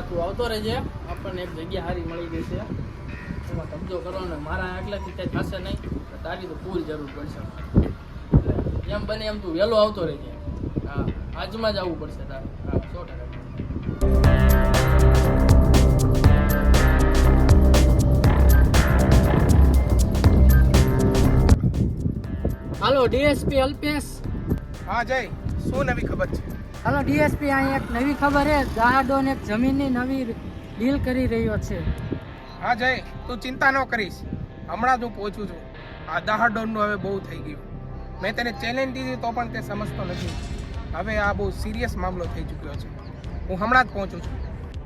તું આવતો રહેજે, આપણને એક જગ્યા સારી મળી ગઈ છે, એમાં કબજો કરવાનો. મારા એકલાથી કંઈ થશે નહીં, તારી તો ફૂલ જરૂર પડશે. એમ બને એમ તું વહેલો આવતો રહેજે. હા, આજમાં જ આવવું પડશે તારે. હા, 100%. Hello DSP Alpesh. હા જય, શું નવી ખબર છે? હાલો ડીએસપી, અહીં એક નવી ખબર છે. દહાડોન એક જમીનની નવી ડીલ કરી રહ્યો છે. હા જય, તું ચિંતા ન કરીશ, હમણાં જ હું પહોંચું છું. આ દહાડોનનું હવે બહુ થઈ ગયું. મેં તેને ચેલેન્જ દીધી તો પણ તે સમજતો નથી. હવે આ બહુ સિરિયસ મામલો થઈ ચૂક્યો છે. હું હમણાં જ પહોંચું છું.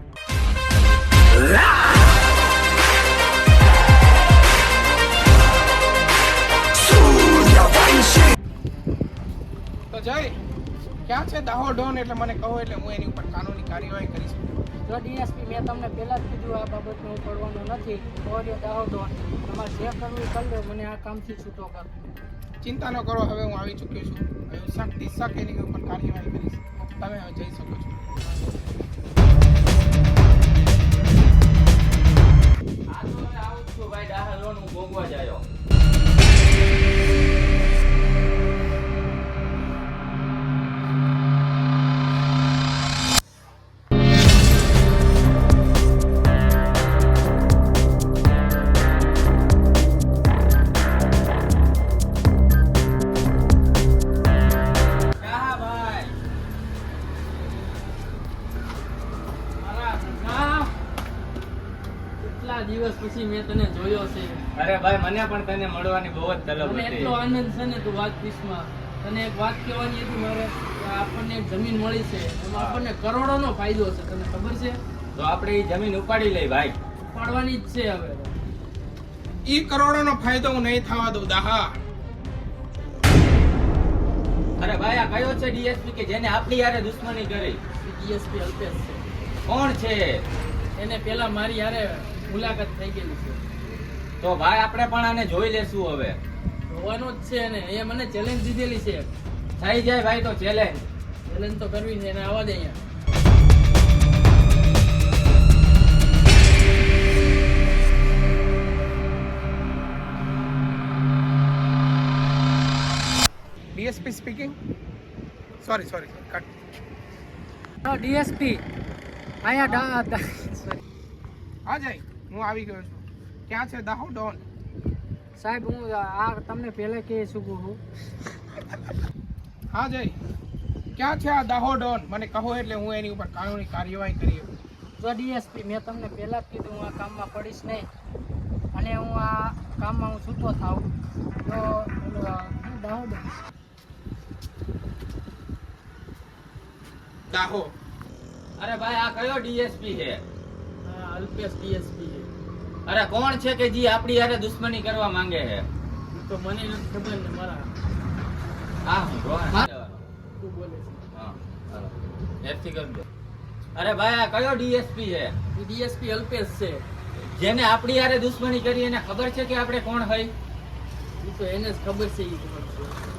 તો જય, ક્યાં છે દાહોડોન? એટલે મને કહો, એટલે હું એની ઉપર કાનૂની કાર્યવાહી કરી શકું. જો ડીએસપી, મેં તમને પહેલા જ કીધું આ બાબતમાં હું પડવાનો નથી. ઓડિયો દાહોડોન તમારે જે કરવું એ કરી લો, મને આ કામથી છૂટો કર. ચિંતા ન કરો, હવે હું આવી ચૂક્યો છું. હવે હું સખ્તી સખ એની ઉપર કાર્યવાહી કરીશ. તમે હવે જઈ શકો છો. આવું છું ભાઈ, દાહોદ હું ભોગવા જાયો. કેટલા દિવસ પછી મેં તને જોયો છે. અરે ભાઈ, મને પણ તને મળવાની બહુ જ તલબ મને હતી. એટલો આનંદ છે ને તું વાત પીસમાં. તને એક વાત કહેવાની હતી મારે, કે આપણને એક જમીન મળી છે, એમાં આપણને કરોડોનો ફાયદો છે. તને ખબર છે? તો આપણે એ જમીન ઉપાડી લઈ ભાઈ. ઉપાડવાની જ છે હવે. ઈ કરોડોનો ફાયદો હું નહીં થવા દઉં દાહા. અરે ભાઈ, આ કયો છે ડીએસપી કે જેને આપણી યારે દુશ્મની કરી? ડીએસપી અલ્પેશ છે. કોણ છે? એને પેલા મારી યારે મુલાકાત થઈ ગયેલી છે. તો ભાઈ આપણે પણ આને જોઈ લેશું હવે. જોવાનું જ છે એને. એ મને ચેલેન્જ દીધેલી છે. થઈ જાય ભાઈ તો ચેલેન્જ. ચેલેન્જ તો કરવી છે. એને આવવા દે અહીંયા. DSP speaking. Sorry cut. DSP અહીંયા હા જય, હું આવી ગયો છું. ક્યાં છે દાહોડોન? સાહેબ, હું આ તમને પહેલા કહી શકું છું. હા જય, ક્યાં છે આ દાહોડોન? મને કહો, એટલે હું એની ઉપર કાનૂની કાર્યવાહી કરી શકું. જો ડીએસપી, મેં તમને પહેલા જ કીધું હું આ કામમાં પડીશ નહીં, અને હું આ કામમાં હું છૂટો થાઉં તો દાહોદ દાહો. અરે ભાઈ, આ કયો ડીએસપી છે? અલ્પેશ ડીએસપી છે. અરે કોણ છે કે જે આપણી યારે દુશ્મની કરવા માંગે છે? ઈ તો મને નથી ખબર ને મારા. હા, હું રોહન. તું બોલે છે. હા, હાલો. એથી કરજો. અરે ભાઈ, આ કયો ડીએસપી છે? એ ડીએસપી અલ્પેશ છે. જેને આપણી યારે દુશ્મની કરી એને ખબર છે કે આપણે કોણ હોય? એ તો એને જ ખબર છે. એ ખબર છે.